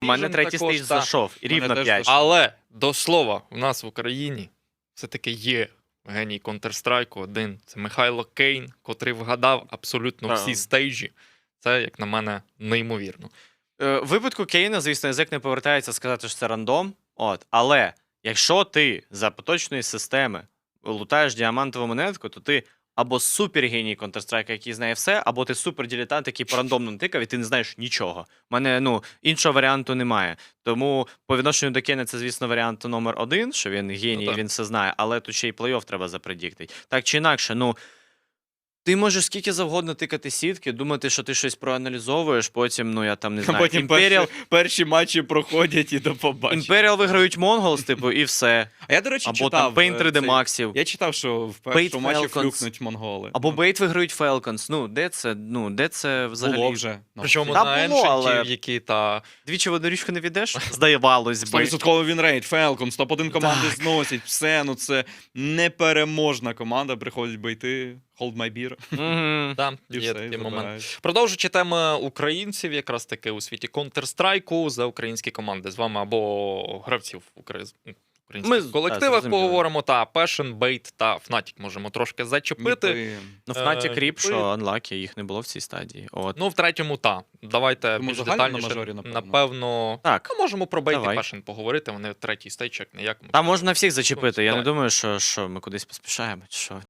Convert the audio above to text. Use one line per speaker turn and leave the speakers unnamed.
У мене третій
також,
стейдж
та.
зайшов, і рівно
теж
5.
зайшов.
Але, до слова, в нас в Україні все-таки є геній Counter-Strike один. Це Михайло Кейн, котрий вгадав абсолютно всі стейджі. Це, як на мене, неймовірно.
В випадку Кейна, звісно, язик не повертається сказати, що це рандом. Але якщо ти за поточної системи лутаєш діамантову монетку, то ти або супергеній Counter-Strike, який знає все, або ти супердилетант, який по рандомно тикав, і ти не знаєш нічого. У мене, іншого варіанту немає. Тому по відношенню до Кейна це, звісно, варіант номер 1, що він геній, і він все знає, але тут ще й плей-офф треба запредіктити. Так чи інакше, ти можеш скільки завгодно тикати сітки, думати, що ти щось проаналізовуєш, потім, я там не знаю,
Потім перші матчі проходять і до побачення.
Imperial виграють Mongols, і все.
А я, до речі,
Або
читав.
там Pain 3D Maxів.
Я читав, що в
Bait
першому матчі
Falcons.
флюкнуть монголи.
Або Бейт виграють Falcons. Де це взагалі?
Було вже.
Причому
Та
на
було, але-
еншентів, які та...
Двічі в одну річку не відеш? Здавалось би.
100% вінрейт, Falcons, топ-1 команди зносять, все, це непереможна команда, приходять бейти, hold my beer,
Мгм.
Та,
і
є
все, і
такий момент.
забирають.
Продовжуючи теми українців, якраз таки у світі Counter-Strike за українські команди. З вами або гравців українських колективах
зрозуміло.
поговоримо, та Passion, Bait та Fnatic можемо трошки зачепити.
Ніби.
Fnatic Ріп,
Ніби.
що Unlucky, їх не було в цій стадії.
Ну, в третьому, та. Давайте
Тому
більш
загально на
детальніше.
мажорі, напевно.
Напевно,
Так.
можемо про Bait і
Давай.
Passion поговорити, вони третій стейдж, як не як.
Там можна всіх зачепити. Я не
Давай.
думаю, що ми кудись поспішаємо. Чи що?